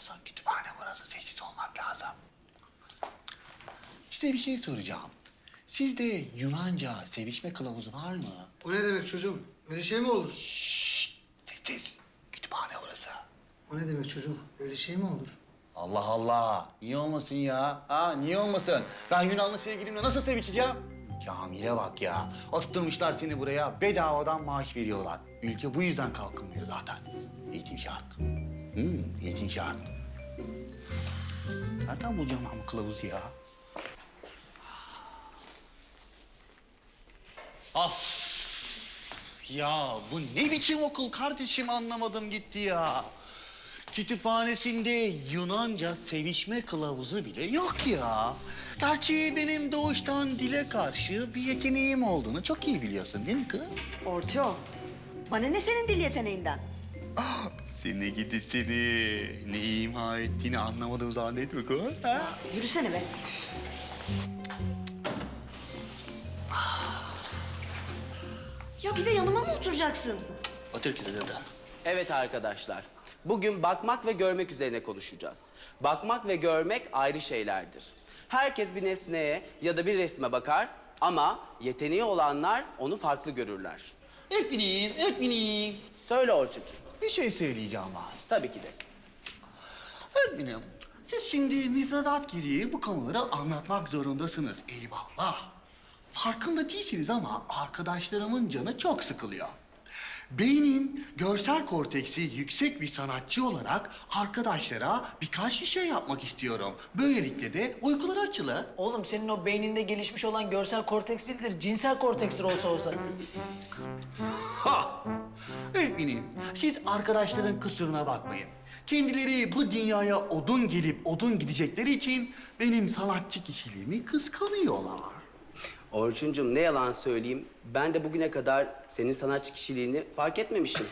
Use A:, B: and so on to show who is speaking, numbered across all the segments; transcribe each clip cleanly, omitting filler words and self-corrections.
A: olsun. Kütüphane burası. Sessiz olmak lazım. Size bir şey soracağım. Sizde Yunanca sevişme kılavuzu var mı?
B: O ne demek çocuğum? Öyle şey mi olur?
A: Şşşt! Sessiz. Kütüphane orası.
B: O ne demek çocuğum? Öyle şey mi olur?
A: Allah Allah. Niye olmasın ya? Ha niye olmasın? Ben Yunanlı sevgilimle nasıl sevişeceğim? Kamil'e bak ya. Attırmışlar seni buraya. Bedavadan maaş veriyorlar. Ülke bu yüzden kalkınmıyor zaten. Eğitim şart. Eğitim şart. Nereden bulacağım ben bu kılavuzu ya? Of! Ya bu ne biçim okul kardeşim anlamadım gitti ya. Kütüphanesinde Yunanca sevişme kılavuzu bile yok ya. Gerçi benim doğuştan dile karşı bir yeteneğim olduğunu çok iyi biliyorsun değil mi kız?
C: Orço, bana ne senin dil yeteneğinden?
A: Seni gidi seni. Ne ima ettiğini anlamadım zannetme kız. Ha?
C: Yürüsene be. Ya bir de yanıma mı oturacaksın?
A: Otur kız hadi.
D: Evet arkadaşlar, bugün bakmak ve görmek üzerine konuşacağız. Bakmak ve görmek ayrı şeylerdir. Herkes bir nesneye ya da bir resme bakar ama yeteneği olanlar onu farklı görürler.
A: Öğretmenim.
D: Söyle Orçuncuğum.
A: Bir şey söyleyeceğim var.
D: Tabii ki de.
A: Öğretmenim, siz şimdi müfredat gereği bu konuları anlatmak zorundasınız. Eyvallah. Farkında değilsiniz ama arkadaşlarımın canı çok sıkılıyor. Beynin görsel korteksi yüksek bir sanatçı olarak arkadaşlara birkaç bir şey yapmak istiyorum. Böylelikle de uykuları açılır.
E: Oğlum senin o beyninde gelişmiş olan görsel korteks değildir, cinsel kortekstir olsa.
A: Ha! Öğretmenim, siz arkadaşların kusuruna bakmayın. Kendileri bu dünyaya odun gelip odun gidecekleri için benim sanatçı kişiliğimi kıskanıyorlar.
D: Orçuncuğum ne yalan söyleyeyim, ben de bugüne kadar senin sanatçı kişiliğini fark etmemişim.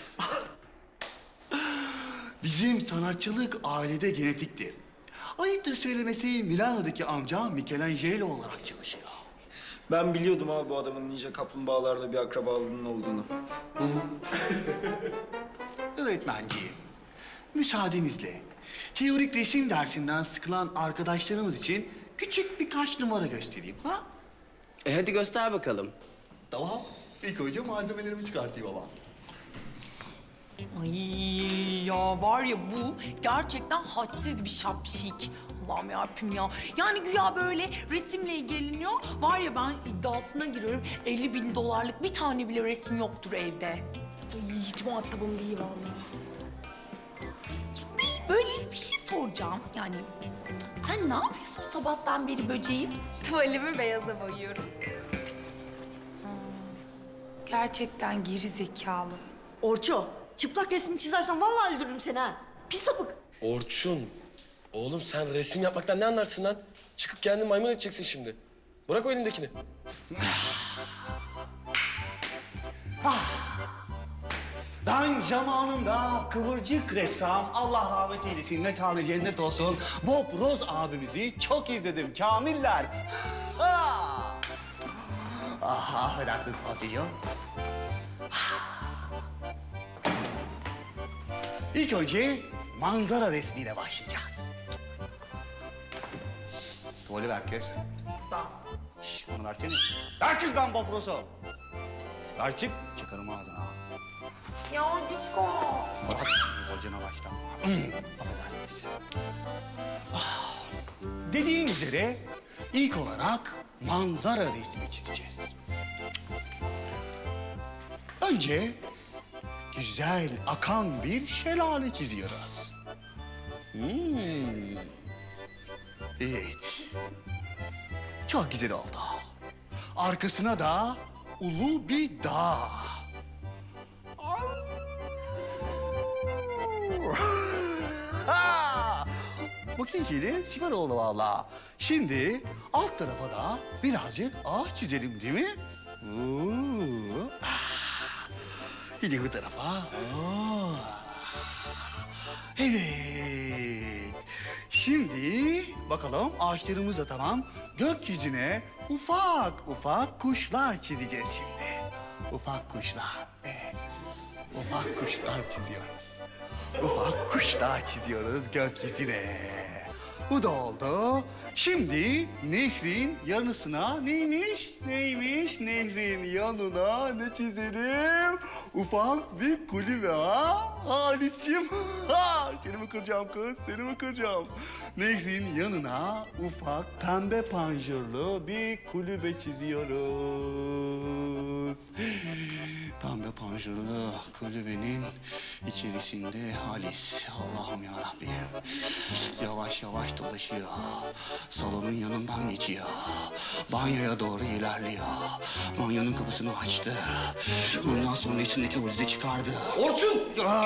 A: Bizim sanatçılık ailede genetiktir. Ayıptır söylemesi Milano'daki amcam Michelangelo olarak çalışıyor.
F: Ben biliyordum abi bu adamın ninja kaplumbağalarla bir akrabalığının olduğunu.
A: Öğretmenciğim, müsaadenizle teorik resim dersinden sıkılan arkadaşlarımız için küçük birkaç numara göstereyim ha?
D: Hadi göster bakalım.
A: Tamam. İlk önce malzemelerimi çıkartayım ama.
G: Ay ya var ya bu gerçekten hadsiz bir şapşik. Allah'ım yarabbim ya. Yani güya böyle resimle ilgileniyor. Var ya ben iddiasına giriyorum 50.000 dolarlık bir tane bile resim yoktur evde. Ay, hiç muhatabım değil vallahi. Ya böyle bir şey soracağım. Yani sen ne yapıyorsun sabahtan beri böceğim?
H: Tuvalimi beyaza boyuyorum.
G: Gerçekten geri zekalı.
C: Orço, çıplak resmini çizersen vallahi öldürürüm seni ha. Pis sapık.
I: Orçun, oğlum sen resim yapmaktan ne anlarsın lan? Çıkıp kendini maymun edeceksin şimdi. Bırak o elindekini.
A: Ben zamanında kıvırcık ressam, Allah rahmet eylesin, mekanı cennet olsun, Bob Ross abimizi çok izledim Kamiller. Ha! Affedersiniz Fatih'ciğim. İlk önce manzara resmiyle başlayacağız. Tuvalı ver kız. Şşş, onu versene. Ver kız ben Bob Ross'u. Ver çık, çıkarım ağzına.
G: Ya Cişko.
A: Bak, hocana başla. Affedersiniz. Dediğim üzere ilk olarak manzara resmi çizeceğiz. Önce güzel akan bir şelale çiziyoruz. Evet. Çok güzel oldu. Arkasına da ulu bir dağ. Ha! Bakın yine süper oldu vallahi. Şimdi alt tarafa da birazcık ağaç çizelim değil mi? Oo. Ah. Şimdi bu tarafa. Oo. Evet. Şimdi bakalım ağaçlarımız da tamam. Gökyüzüne ufak ufak kuşlar çizeceğiz şimdi. Ufak kuşlar. Evet. Ufak kuşlar çiziyoruz. ufak kuşlar çiziyoruz gökyüzüne. Bu da oldu. Şimdi nehrin yanısına neymiş? Nehrin yanına ne çizelim? Ufak bir kulübe ha? Halis'ciğim. Ha, seni mi kıracağım kız? Seni mi kıracağım? Nehrin yanına ufak pembe panjurlu bir kulübe çiziyoruz. Pembe panjurlu kulübenin içerisinde Halis. Allah'ım yarabbim. Yavaş yavaş dolaşıyor. Salonun yanından geçiyor. Banyoya doğru ilerliyor. Banyonun kapısını açtı. Ondan sonra içindeki valizi çıkardı.
I: Orçun!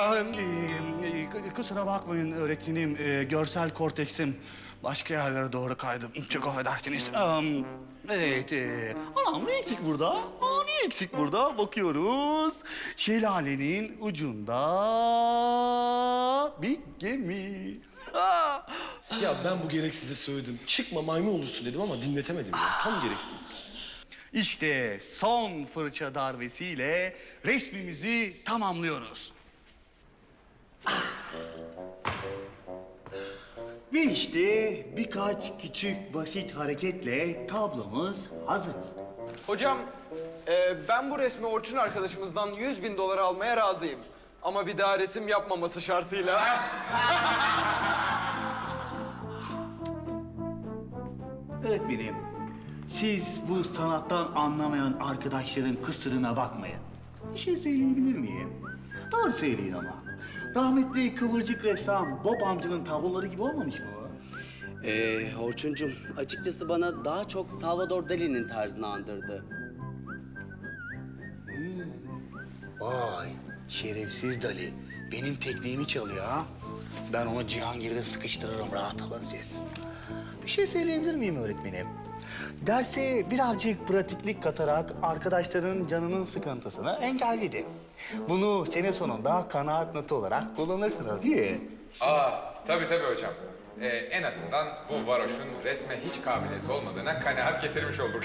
A: Kusura bakmayın öğretmenim. Görsel korteksim başka yerlere doğru kaydı. Çok affedersiniz. Evet. Anam ne eksik burada? Ne eksik burada? Bakıyoruz. Şelalenin ucunda bir gemi.
I: Ya ben bu gereksize söyledim. Çıkma maymun olursun dedim ama dinletemedim ya. Tam gereksiz.
A: İşte son fırça darbesiyle resmimizi tamamlıyoruz. Ve işte birkaç küçük basit hareketle tablomuz hazır.
J: Hocam, ben bu resmi Orçun arkadaşımızdan 100.000 dolar almaya razıyım. Ama bir daha resim yapmaması şartıyla.
A: Öğretmenim, siz bu sanattan anlamayan arkadaşların kısırına bakmayın. Bir şey söyleyebilir miyim? Doğru söyleyin ama. Rahmetli kıvırcık ressam Bob amcanın tabloları gibi olmamış mı o?
D: Orçuncum, açıkçası bana daha çok Salvador Dali'nin tarzını andırdı.
A: Vay, şerefsiz Dali. Benim tekniğimi çalıyor ha. Ben onu Cihangir'de sıkıştırırım, rahat alın siz. Bir şey söyleyebilir miyim öğretmenim? Derse birazcık pratiklik katarak arkadaşların canının sıkıntısını engelledi. Bunu sene sonunda kanaat notu olarak kullanırsınız değil mi?
K: Tabii hocam. En azından bu varoşun resme hiç kabiliyeti olmadığına kanaat getirmiş olduk.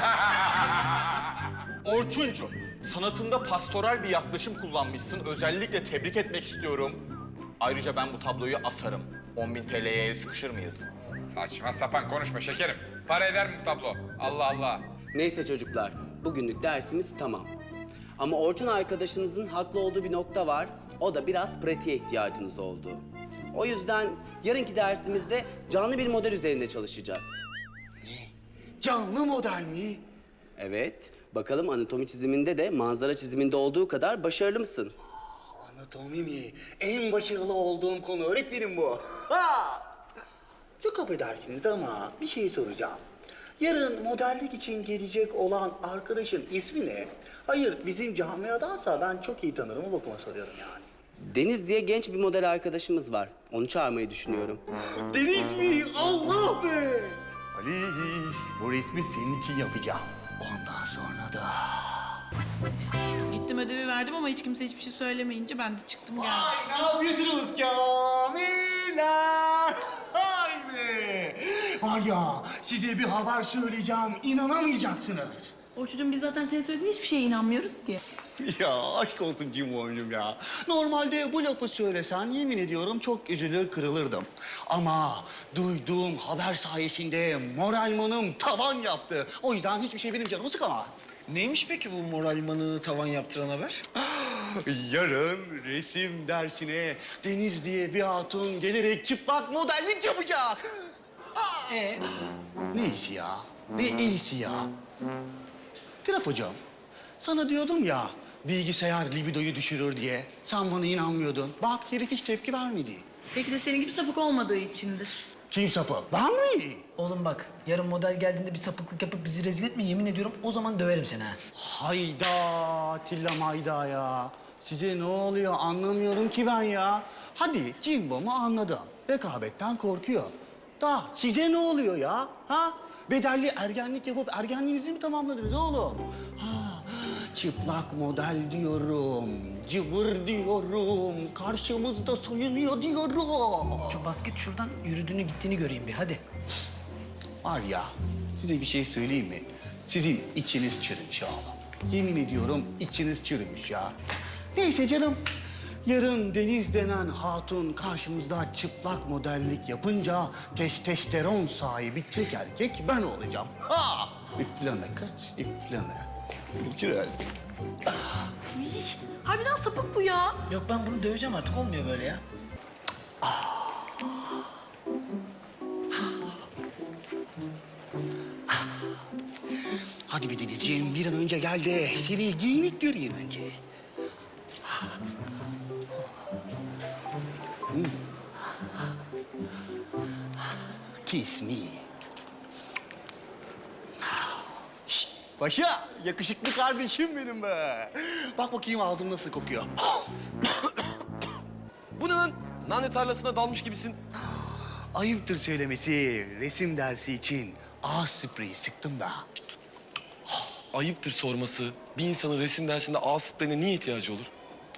L: Orçuncu, sanatında pastoral bir yaklaşım kullanmışsın. Özellikle tebrik etmek istiyorum. Ayrıca ben bu tabloyu asarım. 10.000 TL'ye el sıkışır mıyız?
K: Saçma sapan konuşma şekerim. Para eder mi bu tablo? Allah Allah.
D: Neyse çocuklar, bugünlük dersimiz tamam. Ama Orçun arkadaşınızın haklı olduğu bir nokta var. O da biraz pratiğe ihtiyacınız oldu. O yüzden yarınki dersimizde canlı bir model üzerinde çalışacağız.
A: Canlı model mi?
D: Evet, bakalım anatomi çiziminde de manzara çiziminde olduğu kadar başarılı mısın?
A: Anatomi mi? En başarılı olduğum konu öğretmenim bu. Ha! Çok affedersiniz ama bir şey soracağım. Yarın modellik için gelecek olan arkadaşın ismi ne? Hayır, bizim camiadansa ben çok iyi tanırım, o bakıma soruyorum yani.
D: Deniz diye genç bir model arkadaşımız var. Onu çağırmayı düşünüyorum.
A: Deniz mi? Allah be! Halis, bu resmi senin için yapacağım. Ondan sonra da...
G: Gittim ödevi verdim ama hiç kimse hiçbir şey söylemeyince ben de çıktım geldim.
A: Ay ne yapıyorsunuz Kamiller? Ay be! Var ya size bir haber söyleyeceğim, inanamayacaksınız.
G: Orçucuğum biz zaten senin söylediğin hiçbir şeye inanmıyoruz ki.
A: Ya aşk olsun Cimoğlu'm ya. Normalde bu lafı söylesen yemin ediyorum çok üzülür kırılırdım. Ama duyduğum haber sayesinde moralmanım tavan yaptı. O yüzden hiçbir şey benim canımı sıkamaz.
F: Neymiş peki bu moralmanı tavan yaptıran haber?
A: Yarın resim dersine Deniz diye bir hatun gelerek çıplak modellik yapacak. Ne işi ya? Ne işi ya? Tiraf hocam, sana diyordum ya bilgisayar libidoyu düşürür diye. Sen bana inanmıyordun. Bak herif hiç tepki vermedi.
G: Belki de senin gibi sapık olmadığı içindir.
A: Kim sapık? Ben mi?
E: Oğlum bak, yarın model geldiğinde bir sapıklık yapıp bizi rezil etme, yemin ediyorum o zaman döverim seni ha.
A: Hayda Atilla mayda ya. Size ne oluyor anlamıyorum ki ben ya. Hadi Cimbom'u anladım. Rekabetten korkuyor. Da size ne oluyor ya? Ha? Bedelli ergenlik yapıp ergenliğinizi mi tamamladınız oğlum? Ha, çıplak model diyorum. Cıvır diyorum. Karşımızda soyunuyor diyorum.
E: Şu basket şuradan yürüdüğünü gittiğini göreyim bir hadi.
A: Var ya, size bir şey söyleyeyim mi? Sizin içiniz çürümüş oğlum. Yemin ediyorum içiniz çürümüş ya. Neyse canım, Yarın Deniz denen hatun karşımızda çıplak modellik yapınca testosteron sahibi tek erkek ben olacağım. Ha! Üfleme kız, üfleme. Güzel.
G: Harbiden sapık bu ya.
E: Yok ben bunu döveceğim artık olmuyor böyle ya.
A: Hadi bir Denizciğim, bir an önce gel de seni giyinik göreyim önce. Kiss me. Şşt, Paşa, yakışıklı kardeşim benim be. Bak bakayım ağzım nasıl kokuyor.
I: Bu ne lan? Nane tarlasına dalmış gibisin.
A: Ayıptır söylemesi, resim dersi için ağız spreyi sıktım da.
I: Ayıptır sorması. Bir insanın resim dersinde ağız spreyine niye ihtiyacı olur?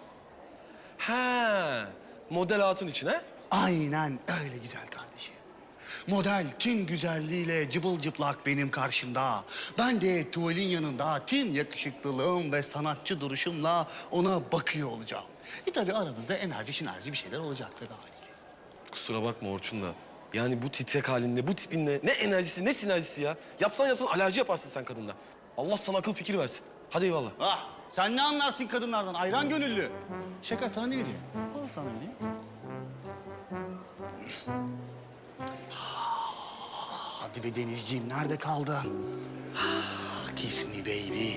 I: Ha, model hatun için ha?
A: Aynen öyle güzel kardeşim. Model tüm güzelliğiyle cıbıl cıplak benim karşımda. Ben de tuvalin yanında tüm yakışıklılığım ve sanatçı duruşumla ona bakıyor olacağım. Tabii aramızda enerji bir şeyler olacak tabii haliyle.
I: Kusura bakma Orçun da. Yani bu titrek halinde, bu tipinle ne enerjisi ne sinerjisi ya. Yapsan alerji yaparsın sen kadınla. Allah sana akıl fikir versin. Hadi eyvallah.
A: Ah, sen ne anlarsın kadınlardan? Ayran gönüllü. Şaka sana ne hediye? Al sana hediye. Hadi be Denizciğim, nerede kaldın? Kiss me baby.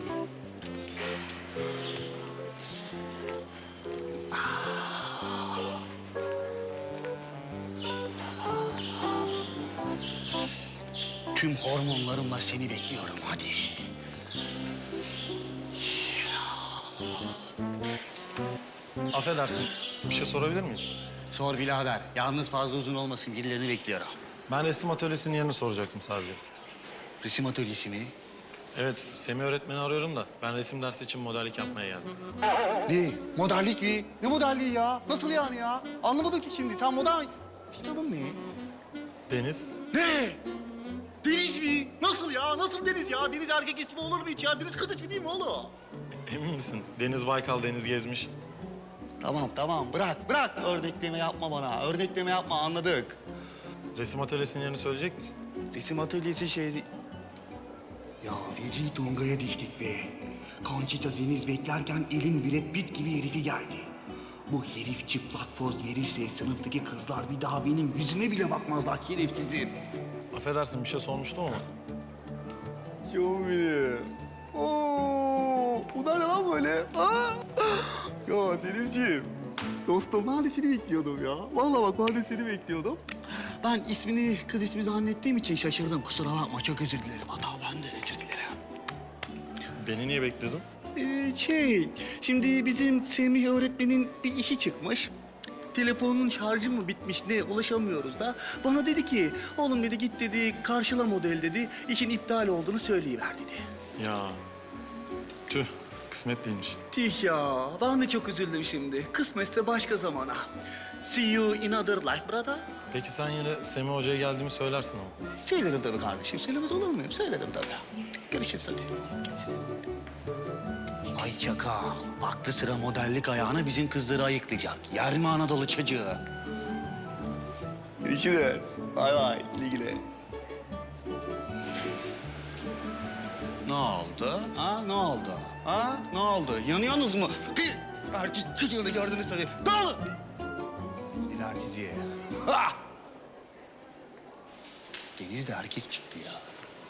A: Tüm hormonlarımla seni bekliyorum, hadi.
M: Affedersin, bir şey sorabilir miyim?
A: Sor birader, yalnız fazla uzun olmasın, birilerini bekliyorum.
M: Ben resim atölyesinin yerini soracaktım sadece.
A: Resim atölyesi mi?
M: Evet, Semih öğretmeni arıyorum da ben resim dersi için modellik yapmaya geldim.
A: Ne? Modellik mi? Ne modelliği ya? Nasıl yani ya? Anlamadım ki şimdi. Sen model... İşte adın ne?
M: Deniz,
A: Ne? Deniz mi? Nasıl ya? Nasıl Deniz ya? Deniz erkek ismi olur mu hiç ya? Deniz kız ismi değil mi oğlum?
M: emin misin? Deniz Baykal, Deniz Gezmiş.
A: Tamam. Bırak. Örnekleme yapma bana. Örnekleme yapma, anladık.
M: Resim atölyesinin yerini söyleyecek misin?
A: Resim atölyesi şeydi... Ya feci Tonga'ya diştik be. Conchita Deniz beklerken elin Brad Pitt gibi herifi geldi. Bu herif çıplak poz verirse sınıftaki kızlar bir daha benim yüzüme bile bakmazlar şerefsizim.
M: Affedersin, bir şey sormuştum ama.
A: Yok benim. Oo, bu ne lan böyle? Ha? Ya Denizciğim, dostum ben de seni bekliyordum ya. Vallahi bak ben de seni bekliyordum. Ben kız ismi zannettiğim için şaşırdım. Kusura bakma, çok özür dilerim. Hata ben de özür dilerim.
M: Beni niye bekliyordun?
A: Şimdi bizim Semih öğretmenin bir işi çıkmış. Telefonun şarjı mı bitmiş ne ulaşamıyoruz da. Bana dedi ki, oğlum dedi git dedi karşıla model dedi. İşin iptal olduğunu söyleyiver dedi.
M: Ya, tüh, kısmet değilmiş.
A: Tih ya, ben de çok üzüldüm şimdi. Kısmetse başka zamana. See you in other life brother.
M: Peki sen yine Semih Hoca'ya geldiğimi söylersin ama.
A: Söylerim tabii kardeşim. Söylemez olur muyum? Söylerim tabii. Görüşürüz hadi. Ay çakal. Aklı sıra modellik ayağına bizim kızları ayıklayacak. Yer mi Anadolu çocuğu? Görüşürüz. Bay. Güle güle. Ne oldu? Ha? Ne oldu? Ha? Ne oldu? Yanıyorsunuz mu? Erkek çocuğunu gördünüz tabii. Dağılın! Gidiler diziye. Ha! Deniz de erkek çıktı ya.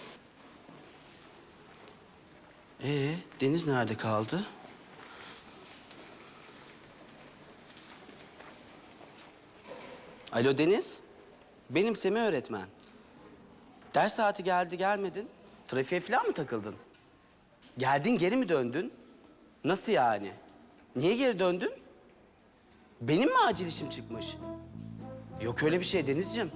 D: Deniz nerede kaldı? Alo Deniz. Benim Semih öğretmen. Ders saati geldi gelmedin. Trafiğe falan mı takıldın? Geldin geri mi döndün? Nasıl yani? Niye geri döndün? Benim mi acil işim çıkmış? Yok öyle bir şey Denizciğim.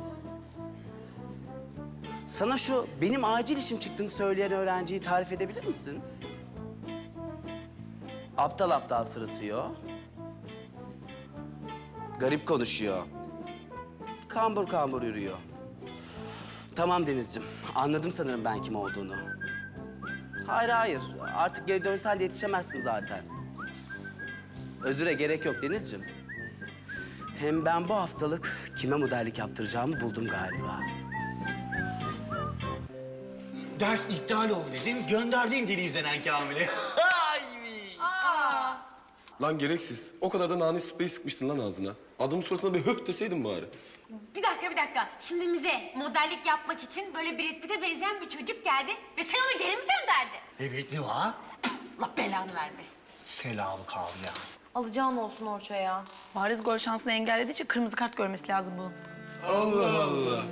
D: Sana şu benim acil işim çıktığını söyleyen öğrenciyi tarif edebilir misin? Aptal aptal sırıtıyor. Garip konuşuyor. Kambur kambur yürüyor. Tamam Denizciğim, anladım sanırım ben kim olduğunu. Hayır, artık geri dönsen de yetişemezsin zaten. Özüre gerek yok Denizciğim. Hem ben bu haftalık kime modellik yaptıracağımı buldum galiba.
A: Ders iptal oldu dedim, gönderdim Deniz denen Kamil'i.
I: Lan gereksiz. O kadar da nane spreyi sıkmıştın lan ağzına. Adamın suratına bir höh deseydin bari.
H: Bir dakika. Şimdi bize modellik yapmak için böyle Brad Pitt'e benzeyen bir çocuk geldi ve sen onu geri mi gönderdin?
A: Evet, ne var?
H: Allah belanı vermesin.
A: Selamı Kamil ya.
C: Alacağın olsun Orço ya.
G: Bariz gol şansını engellediği için kırmızı kart görmesi lazım bunun.
I: Allah Allah.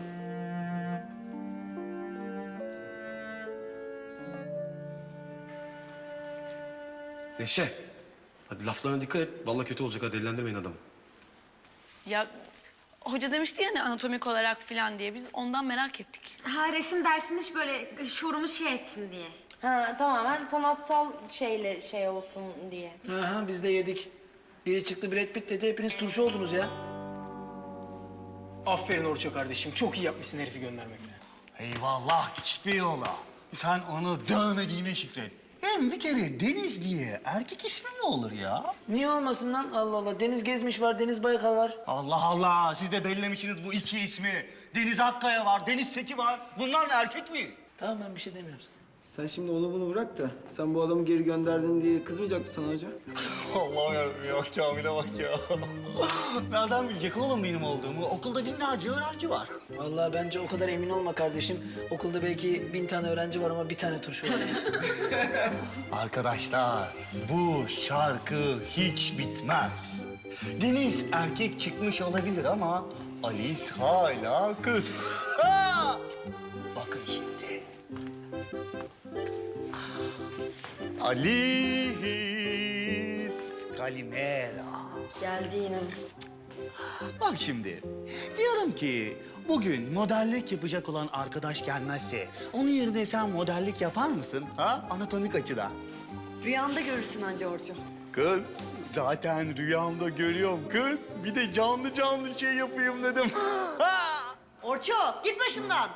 I: Neşe. Hadi laflarına dikkat et. Vallahi kötü olacak ha. Delilendirmeyin adamı.
G: Ya hoca demişti ya hani anatomik olarak falan diye. Biz ondan merak ettik.
H: Ha resim dersimiz böyle şuurumuz şey etsin diye.
C: Ha tamamen sanatsal şeyle şey olsun diye.
E: Aha, biz de yedik. Biri çıktı Brad Pitt dedi, hepiniz turşu oldunuz ya.
B: Aferin Orço kardeşim. Çok iyi yapmışsın herifi göndermekle.
A: Eyvallah küçük bir yola. Sen onu dövmediğine şükret. Hem bir kere Deniz diye erkek ismi mi olur ya?
E: Niye olmasın lan? Allah Allah. Deniz Gezmiş var, Deniz Baykal var.
A: Allah Allah, siz de bellemişsiniz bu iki ismi. Deniz Akkaya var, Deniz Seki var. Bunlar erkek mi?
E: Tamam ben bir şey demiyorum sana.
F: Sen şimdi onu bunu bırak da sen bu adamı geri gönderdin diye kızmayacak mı sana hoca?
A: Allah'ım yarabbim ya, Kamil'e bak ya. Nereden bilecek oğlum benim olduğumu? Okulda binlerce öğrenci var.
E: Vallahi bence o kadar emin olma kardeşim. Okulda belki 1000 tane öğrenci var ama bir tane turşu var.
A: Arkadaşlar, bu şarkı hiç bitmez. Deniz erkek çıkmış olabilir ama Alice hala kız. Ha! Bakın şimdi. Alice Kalimera.
C: Geldi yine.
A: Bak şimdi, diyorum ki bugün modellik yapacak olan arkadaş gelmezse onun yerine sen modellik yapar mısın? Ha? Anatomik açıdan.
C: Rüyanda görürsün anca Orço.
A: Kız, zaten rüyamda görüyorum kız. Bir de canlı canlı şey yapayım dedim.
C: Orço git başımdan.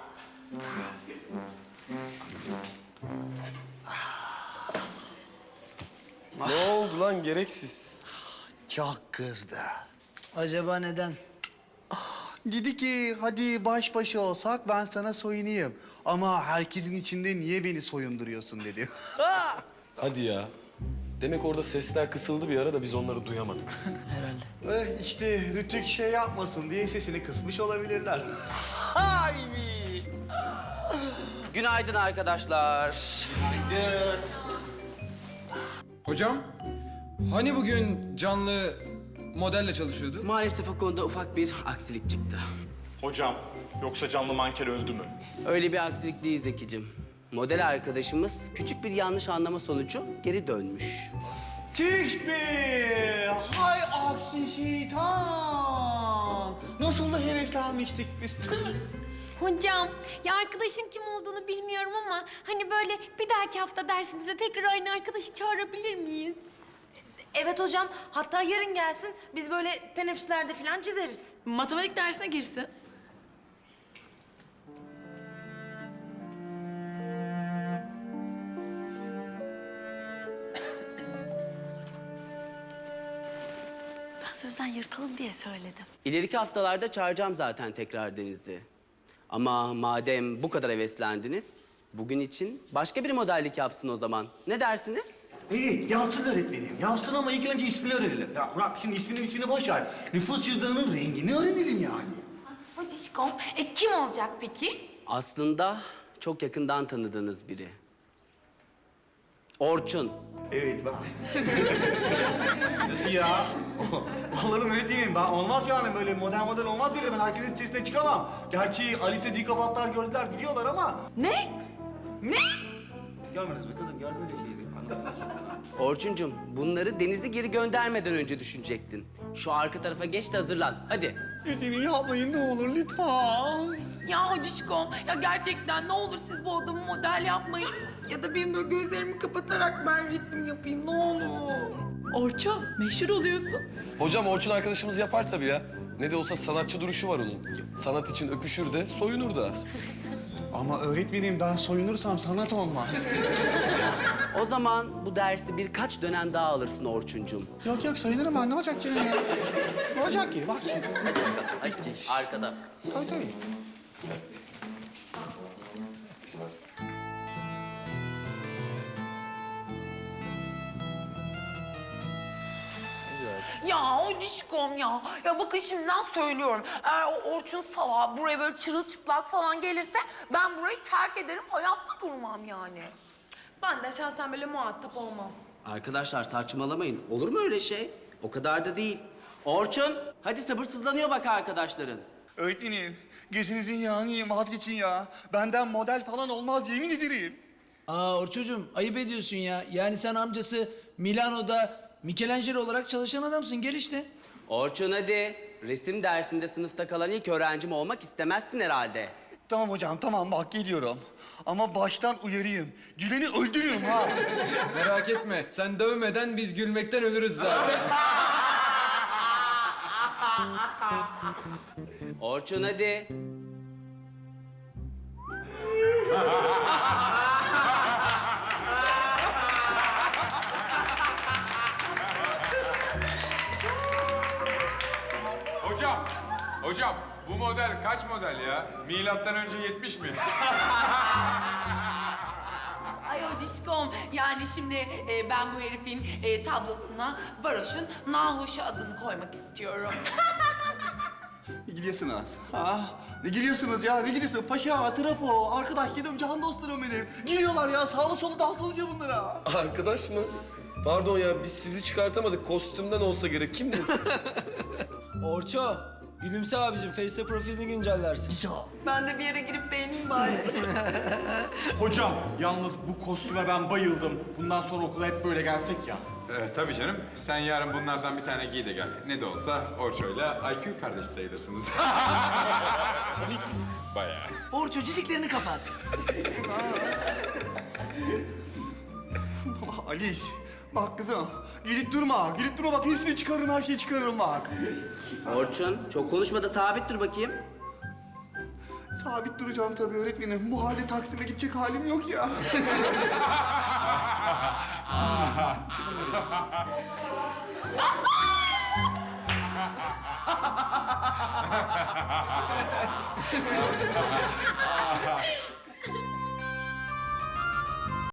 I: Ne oldu lan gereksiz?
A: Çok kızdı.
E: Acaba neden?
A: Dedi ki hadi baş başa olsak ben sana soyunayım. Ama herkesin içinde niye beni soyunduruyorsun dedi.
I: Hadi ya. Demek orada sesler kısıldı bir ara da biz onları duyamadık.
E: Herhalde.
A: İşte Rütük şey yapmasın diye sesini kısmış olabilirler. Hay mi?
D: Günaydın arkadaşlar.
A: Günaydın.
J: Hocam, hani bugün canlı modelle çalışıyordu?
D: Maalesef o konuda ufak bir aksilik çıktı.
L: Hocam, yoksa canlı manken öldü mü?
D: Öyle bir aksilik değil Zekicim. Model arkadaşımız küçük bir yanlış anlama sonucu geri dönmüş.
A: Tüh be! Hay aksi şeytan! Nasıl da heveslenmiştik biz. Tüh!
H: Hocam ya arkadaşın kim olduğunu bilmiyorum ama hani böyle bir dahaki hafta dersimize tekrar aynı arkadaşı çağırabilir miyiz?
C: Evet hocam. Hatta yarın gelsin. Biz böyle teneffüslerde falan çizeriz.
G: Matematik dersine girsin. Ben sözden yırtalım diye söyledim.
D: İleriki haftalarda çağıracağım zaten tekrar Deniz'i. Ama madem bu kadar heveslendiniz, bugün için başka bir modellik yapsın o zaman. Ne dersiniz?
A: İyi, yapsın öğretmenim. Yapsın ama ilk önce ismini öğrenelim. Ya bırak şimdi ismini boş ver. Nüfus cüzdanının rengini öğrenelim yani.
H: Hocişkom, kim olacak peki?
D: Aslında çok yakından tanıdığınız biri. Orçun.
A: Evet ben. Nasıl ya? Olurum öğretmenim. Ben olmaz yani böyle model olmaz böyle. Ben herkesin içerisine çıkamam. Gerçi Alice'de dikafatlar gördüler biliyorlar ama.
C: Ne? Ne?
A: Görmediniz mi kızım? Gördünüz ya şeyi. Anlatın.
D: Orçuncum, bunları Deniz'i geri göndermeden önce düşünecektin. Şu arka tarafa geç de hazırlan. Hadi.
A: Dediğini yapmayın ne olur lütfen.
G: Ya hocişkom, ya gerçekten ne olur siz bu adamı model yapmayın. Ya da benim böyle gözlerimi kapatarak ben resim yapayım, ne olur. Orço, meşhur oluyorsun.
I: Hocam Orçun arkadaşımız yapar tabii ya. Ne de olsa sanatçı duruşu var onun. Sanat için öpüşür de soyunur da.
A: Ama öğretmenim ben soyunursam sanat olmaz.
D: O zaman bu dersi birkaç dönem daha alırsın Orçuncum.
A: Yok yok soyunurum ben ne olacak yine ya? Ne olacak ki? Bak şimdi.
D: Arkada.
A: Tabii tabii.
G: Ya o dişkom ya. Ya bakın şimdiden söylüyorum. Eğer o Orçun salağı buraya böyle çırılçıplak falan gelirse ben burayı terk ederim. Hayatta durmam yani.
C: Ben de şahsen böyle muhatap olmam.
D: Arkadaşlar saçmalamayın. Olur mu öyle şey? O kadar da değil. Orçun, hadi sabırsızlanıyor bak arkadaşların.
A: Öğretmenim gözünüzün yağını yiyeyim vazgeçin ya. Benden model falan olmaz yemin ederim.
E: Aa Orçucuğum ayıp ediyorsun ya. Yani sen amcası Milano'da Michelangelo olarak çalışan adamsın. Gel işte.
D: Orçun hadi. Resim dersinde sınıfta kalan ilk öğrencim olmak istemezsin herhalde.
A: Tamam hocam tamam bak geliyorum. Ama baştan uyarayım. Gülen'i öldürürüm ha.
J: Merak etme, sen dövmeden biz gülmekten ölürüz zaten.
D: Orçun hadi.
K: Hocam bu model kaç model ya? Milattan önce 70 mi?
G: Ay o dişkom. Yani şimdi ben bu herifin tablosuna Varoş'un Nahoş'u adını koymak istiyorum.
A: Ne gidiyorsunuz? Ha? Ne giriyorsunuz ya? Ne giriyorsunuz? Paşa, trafo, arkadaş canım, can dostlarım benim. Giriyorlar ya, sağlı solu dağıtılınca bunlara.
I: Arkadaş mı? Pardon ya biz sizi çıkartamadık. Kostümden olsa gerek. Kimdiniz siz?
F: Orço, gülümse abicim. Face'te profilini güncellersin.
C: Ben de bir yere girip beğeneyim bari.
L: Hocam, yalnız bu kostüme ben bayıldım. Bundan sonra okula hep böyle gelsek ya.
K: Tabii canım. Sen yarın bunlardan bir tane giy de gel. Ne de olsa Orço'yla IQ kardeş sayılırsınız. Bayağı.
E: Orço ciciklerini kapat.
A: Aliş, bak kızım. Gülüp durma bak hepsini çıkarırım, her şeyi çıkarırım bak.
D: Orçun, çok konuşma da sabit dur bakayım.
A: Sabit duracağım tabii öğretmenim. Bu halde Taksim'e gidecek halim yok ya.